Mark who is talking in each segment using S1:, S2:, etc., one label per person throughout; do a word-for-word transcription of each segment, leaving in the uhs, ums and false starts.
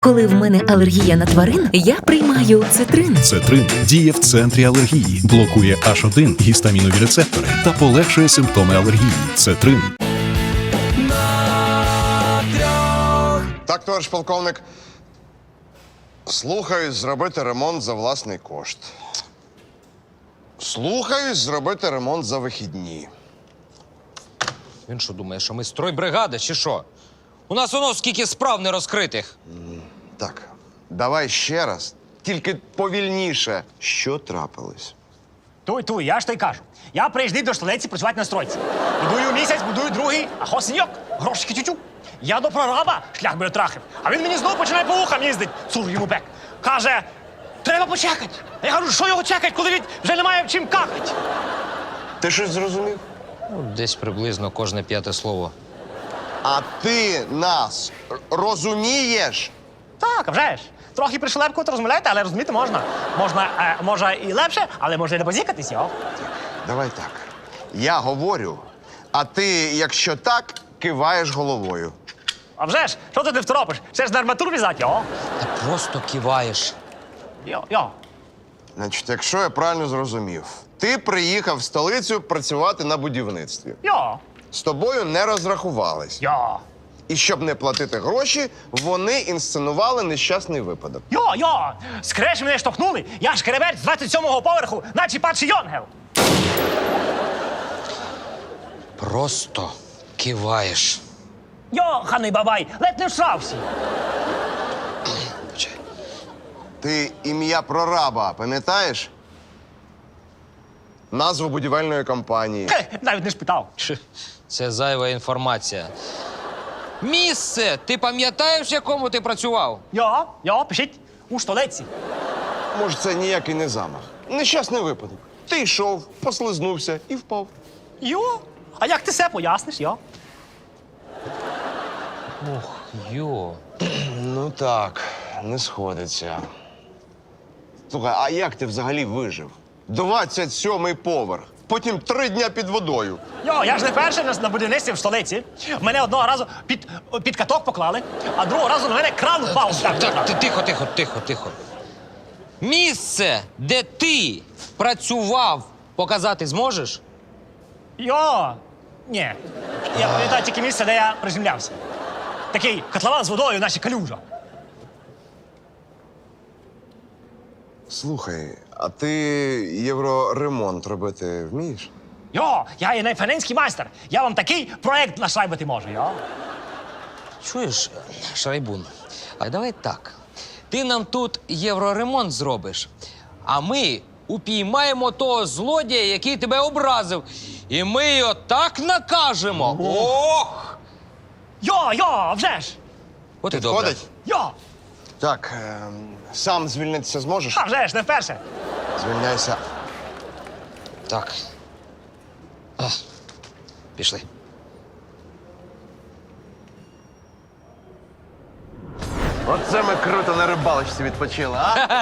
S1: Коли в мене алергія на тварин, я приймаю цитрин.
S2: Цетрин діє в центрі алергії, блокує аш один гістамінові рецептори та полегшує симптоми алергії. Цетрин.
S3: Так, товариш полковник. Слухаюсь зробити ремонт за власний кошт. Слухаюсь зробити ремонт за вихідні.
S4: Він що думає, що ми стройбригада чи що? У нас воно скільки справ не розкритих.
S3: Так, давай ще раз, тільки повільніше. Що трапилось?
S5: Туй, туй, я ж то й кажу. Я приїжджав до столиці працювати на стройці. Будую місяць, будую другий, а хосеньок, грошики тютю. Я до прораба шлях би трахив. А він мені знову починає по вухам їздить, цур йому бек. Каже, треба почекати. А я кажу, що його чекати, коли він вже немає в чим какати.
S3: Ти щось зрозумів?
S4: Ну, десь приблизно кожне п'яте слово.
S3: А ти нас р- розумієш?
S5: Так, а вже ж. Трохи пришелепкувати розмовляєте, але розуміти можна. Можна, е, може і легше, але може і не базікатись, йо.
S3: Давай так. Я говорю, а ти, якщо так, киваєш головою.
S5: А вже ж, що ти не второпиш? Ще ж на арматуру в'язати, йо.
S4: Та просто киваєш.
S5: Йо, йо.
S3: Значить, якщо я правильно зрозумів, ти приїхав в столицю працювати на будівництві.
S5: Йо,
S3: З тобою не розрахувались.
S5: йо.
S3: І щоб не платити гроші, вони інсценували нещасний випадок.
S5: Йо, йо, скреш мене штовхнули. Я ж керебець з двадцять сьомого поверху, наче падший йонгел.
S4: Просто киваєш.
S5: Йо, ханий бабай, ледь не всрався.
S3: Ти ім'я прораба пам'ятаєш? Назву будівельної компанії.
S5: Хе, навіть не спитав.
S4: Чи, Це зайва інформація. Місце! Ти пам'ятаєш, в якому ти працював?
S5: Йо, йо, пишіть, у столиці.
S3: Може, це ніякий не замах. Нещасний випадок. Ти йшов, послизнувся і впав.
S5: Йо, а як ти все поясниш, йо?
S4: Ох, йо.
S3: Ну так, не сходиться. Слухай, а як ти взагалі вижив? двадцять сьомий поверх, потім три дня під водою.
S5: Йо, я ж не перший на, на будівництві в столиці. Мене одного разу під, під каток поклали, а другого разу на мене кран впав. Так,
S4: Так, ти тихо, тихо, тихо, тихо. Місце, де ти працював, показати зможеш?
S5: Йо, ні. Я пам'ятаю тільки місце, де я приземлявся. Такий котлован з водою, наче калюжа.
S3: Слухай, а ти євроремонт робити вмієш?
S5: Йо, я є найфаненський майстер. Я вам такий проект нашайбити можу, йо.
S4: Чуєш, Шрайбун, а давай так. Ти нам тут євроремонт зробиш, а ми упіймаємо того злодія, який тебе образив. І ми його так накажемо. Ох!
S5: Йо, йо, вже ж.
S4: От і добре.
S3: Підходить?
S5: Йо,
S3: Так, ем, сам звільнитися зможеш?
S5: а вже ж, не вперше.
S3: Звільняйся.
S4: Так. А, пішли.
S3: Оце ми круто на рибалочці відпочили, а?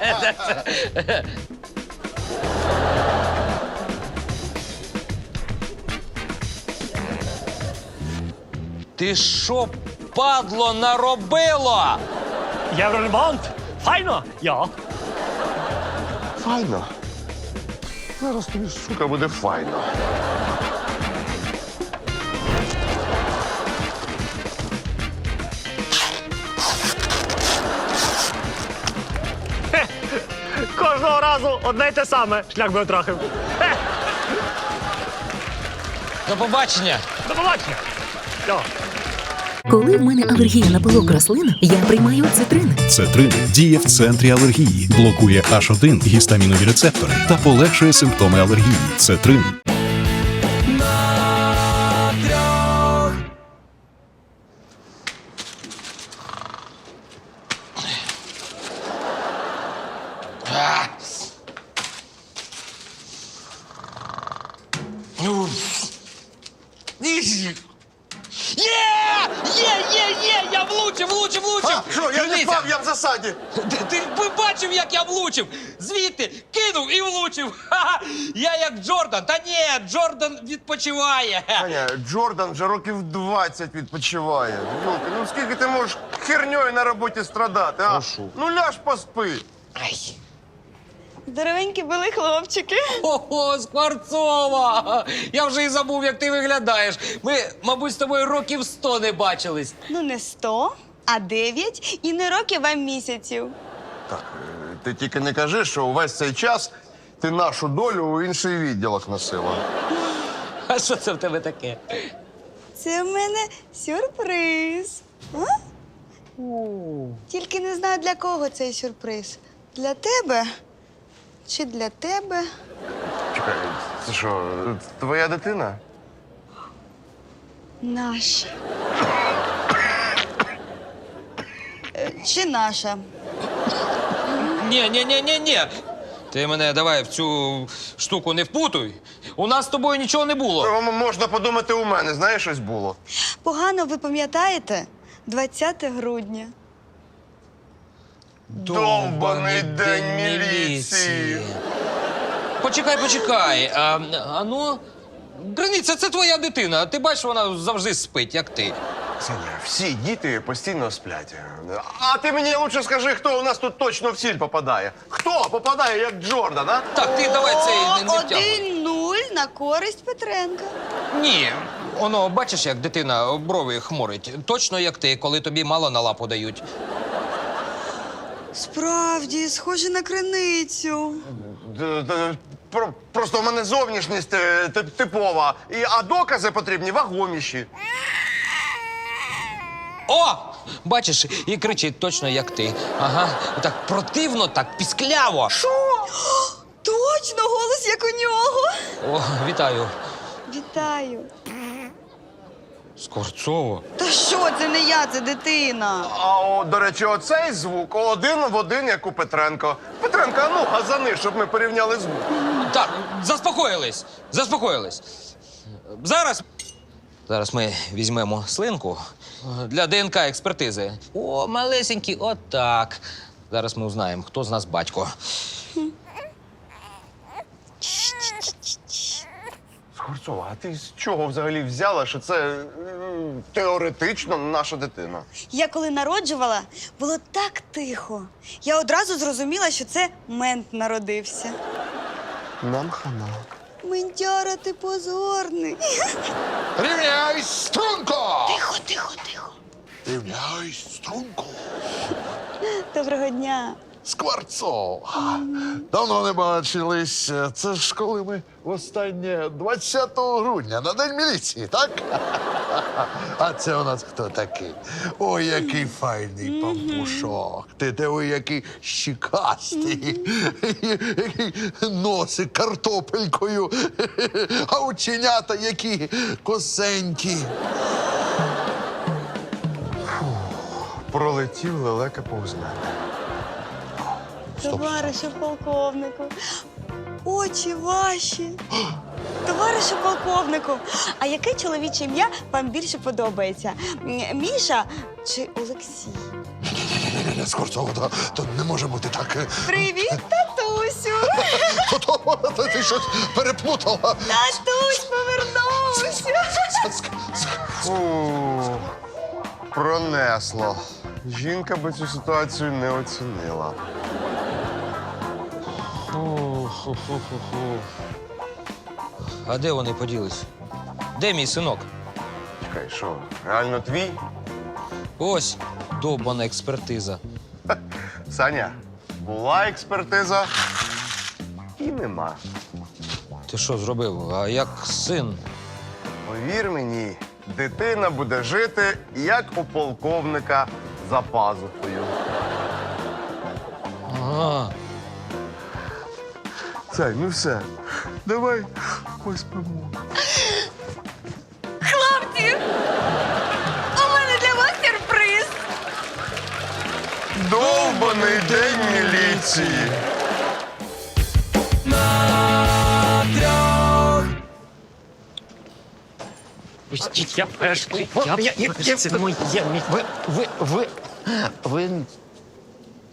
S4: Ти що, падло, наробило?
S5: Євроремонт. Файно, йо.
S3: Файно. Зараз тобі, сука, буде файно.
S5: Кожного разу одне й те саме. Шлях би отрахив. Е,
S4: До побачення.
S5: до побачення. Йо.
S1: Коли в мене алергія на пилок рослин, я приймаю цитрин.
S2: Цетрин діє в центрі алергії, блокує аш один гістамінові рецептори та полегшує симптоми алергії. Цетрин.
S4: Є! Є, є, є! Я влучив, влучив, влучив!
S3: А, що, я не Впав я в засаді.
S4: Ти, ти б бачив, як я влучив? Звідти кинув і влучив. Ха-ха. Я як Джордан. Та ні, Джордан відпочиває.
S3: Аня, Джордан вже років двадцять відпочиває. Юлка, ну скільки ти можеш херньою на роботі страдати, а? Ну ляж поспи.
S4: Ай.
S6: Здоровенькі були хлопчики.
S4: Ого, Скворцова! Я вже і забув, як ти виглядаєш. Ми, мабуть, з тобою років сто не бачились.
S6: Ну, не сто, а дев'ять і не років, а місяців.
S3: Так, е, ти тільки не кажи, що увесь цей час ти нашу долю у інший відділок носила.
S4: А що це в тебе таке?
S6: Це в мене сюрприз. А? Тільки не знаю, для кого цей сюрприз. Для тебе чи для тебе?
S3: Чекай, це що, твоя дитина?
S6: Наша. Е, Чи наша?
S4: Ні, ні, ні, ні, ні. Ти мене давай в цю штуку не впутуй. У нас з тобою нічого не було.
S3: М- Можна подумати, у мене, знаєш, щось було.
S6: Погано ви пам'ятаєте? двадцяте грудня.
S3: Довбаний день міліції.
S4: Почекай, почекай. А, а ну, Границя, це твоя дитина. Ти бачиш, вона завжди спить, як ти.
S3: Саня, всі діти постійно сплять. А ти мені лучше скажи, хто у нас тут точно в сіль попадає? Хто попадає, як Джордан, а?
S4: Так, ти давай цей не, не втягуй.
S6: один-нуль на користь Петренка.
S4: Ні. Воно, бачиш, як дитина брови хмурить. Точно як ти, коли тобі мало на лапу дають.
S6: Справді, схоже на криницю.
S3: Д- д- про- Просто в мене зовнішність е, тип- типова, і, а докази потрібні вагоміші.
S4: О! Бачиш, і кричить точно як ти. Ага. Так противно, так піскляво.
S6: Точно, голос як у нього.
S4: О, вітаю.
S6: Вітаю.
S4: Скворцово.
S6: Та що, це не я, це дитина.
S3: А, о, до речі, оцей звук один в один, як у Петренко. Петренко, а ну, газани, щоб ми порівняли звук.
S4: Так, заспокоїлись. Заспокоїлись. Зараз. Зараз ми візьмемо слинку для ДНК експертизи. О, малесенький, отак. Зараз ми узнаємо, хто з нас батько.
S3: Скворцова, а ти з чого взагалі взяла, що це м, теоретично наша дитина?
S6: Я коли народжувала, було так тихо. Я одразу зрозуміла, що це мент народився.
S3: Нам хана.
S6: Ментяра, ти позорний.
S7: Рівняйсь, струнко!
S6: Тихо, тихо, тихо.
S7: Рівняйсь, струнко!
S6: Доброго дня.
S7: Скворцов! Давно не бачились. Це ж коли ми востаннє двадцятого грудня на День міліції, так? А це у нас хто такий? Ой, який файний пампушок. Ти диви, який щікастий. Який носик картопелькою. А оченята які косенькі.
S3: Пролетів лелека повз мене.
S6: Товаришу полковнику. Очі ваші. Товаришу полковнику. А яке чоловіче ім'я вам більше подобається? М, Міша чи Олексій?
S7: Ні-ні-ні, Скворцова, то, то не може бути так.
S6: Привіт, татусю.
S7: То, то, то ти щось переплутала.
S6: Татусь повернувся.
S3: Фу, пронесло. Жінка би цю ситуацію не оцінила.
S4: А де вони поділись? Де мій синок?
S3: Чекай, що, реально твій?
S4: Ось довбана експертиза.
S3: Саня, була експертиза і нема.
S4: Ти що зробив? А як син?
S3: Повір мені, дитина буде жити, як у полковника за пазухою.
S4: Ага.
S3: Сань, ну все, давай поспимо.
S6: Хлопці, у мене для вас сюрприз.
S3: Довбаний день міліції.
S5: Пустіть, я перший. Я перший. Це моє. Ви, ви, ви, ви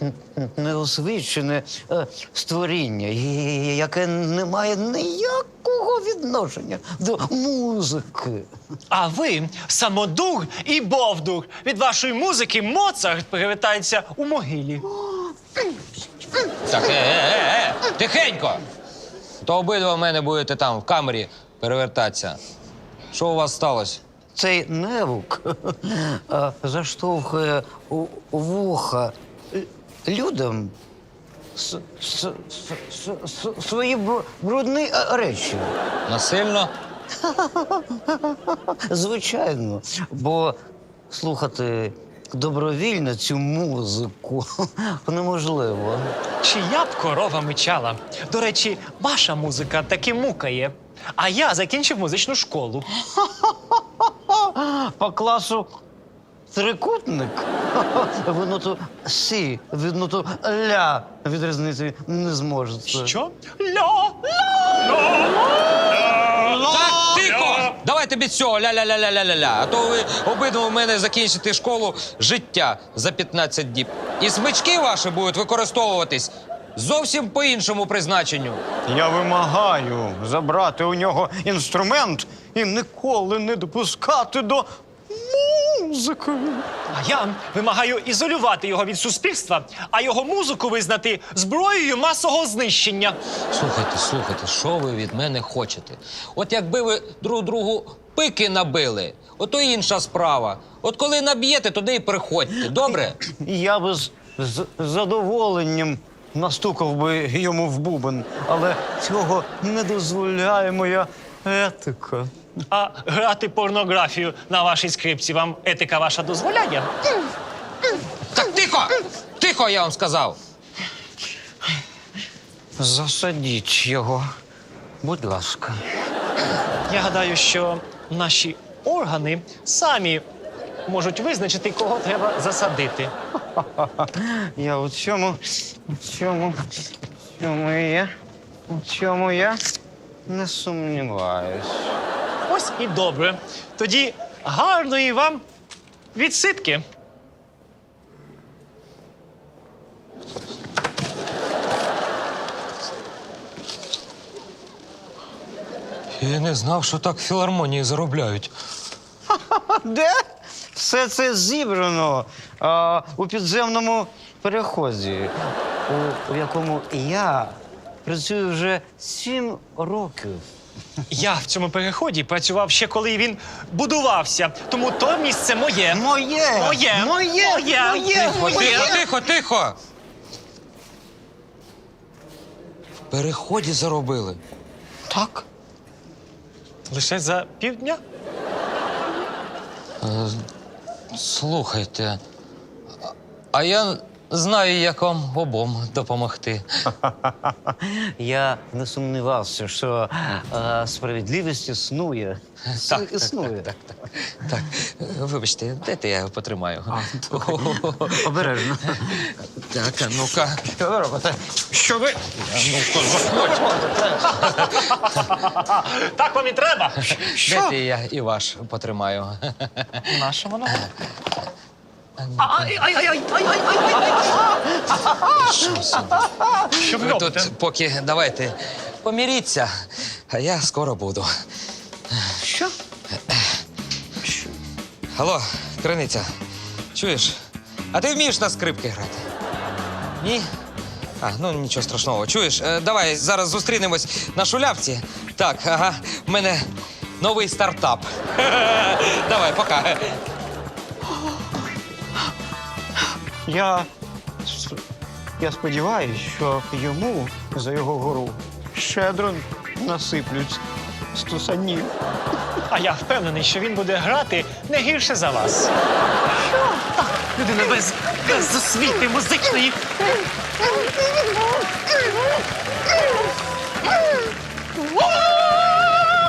S8: неосвічене е, створіння, і- яке не має ніякого відношення до музики.
S5: А ви самодур і бовдур. Від вашої музики Моцарт перевертається у могилі.
S4: Так, е, е, е, е, тихенько! То обидва в мене будете там, в камері, перевертатися. Що у вас сталося?
S8: Цей невук е, заштовхує у у вуха е, людям с, с, с, с, с, свої бр- брудні е, речі.
S4: Насильно?
S8: Звичайно, бо слухати добровільно цю музику неможливо.
S5: Чия б корова мичала? До речі, ваша музика таки мукає. А я закінчив музичну школу.
S8: По класу трикутник ви ноту сі від ноту ля відрізнити не зможете.
S5: Що? Ля!
S4: Так, тихо! Давайте без цього ля-ля-ля-ля-ля-ля-ля. А то ви обидва у мене закінчите школу життя за п'ятнадцять діб. І смички ваші будуть використовуватись зовсім по іншому призначенню.
S9: Я вимагаю забрати у нього інструмент і ніколи не допускати до музики.
S5: А я вимагаю ізолювати його від суспільства, а його музику визнати зброєю масового знищення.
S4: Слухайте, слухайте, що ви від мене хочете? От якби ви друг другу пики набили, ото інша справа. От коли наб'єте, туди і приходьте. Добре?
S9: Я би з, з задоволенням настукав би йому в бубен, але цього не дозволяє моя етика.
S5: А грати порнографію на вашій скрипці вам етика ваша дозволяє?
S4: Так тихо! Тихо, я вам сказав!
S9: Засадіть його, будь ласка.
S5: Я гадаю, що наші органи самі можуть визначити, кого треба засадити.
S9: Я у цьому, у цьому, у цьому я, у цьому я не сумніваюсь.
S5: Ось і добре. Тоді гарної вам відсидки.
S4: Я не знав, що так в філармонії заробляють.
S9: Де? Все це зібрано а, у підземному переході, у, у якому я працюю вже сім років.
S5: Я в цьому переході працював ще коли він будувався, тому то місце моє.
S9: Моє!
S5: Моє!
S9: Моє!
S5: Моє!
S9: Моє!
S4: Тихо, тихо, тихо, тихо! В переході заробили.
S9: Так.
S5: Лише за півдня?
S4: Е, Слухайте, а- а я знаю, як вам обом допомогти.
S8: Я не сумнівався, що е, справедливість існує.
S4: Так,
S8: існує.
S4: Так, так, так, так. Е, Вибачте, дайте я його потримаю.
S8: Обережно.
S4: Так, а ну-ка.
S8: Що ви робите?
S5: Що ви?
S4: Ну-ка, заходь.
S5: Так вам і треба.
S4: Дайте я і ваш потримаю.
S5: Наша воно?
S4: Що собі?
S5: Що ви
S4: Ви
S5: робите?
S4: тут поки давайте поміріться, а я скоро буду.
S9: Що?
S4: Алло, Криниця, чуєш? А ти вмієш на скрипки грати? Ні? А, ну нічого страшного. Чуєш, е, давай зараз зустрінемось на шулявці. Так, ага, в мене новий стартап. Давай, пока.
S9: Я, с- я сподіваюся, що йому за його гору щедро насиплють стусанів.
S5: А я впевнений, що він буде грати не гірше за вас. Людина без, без освіти музичної.
S7: Woo!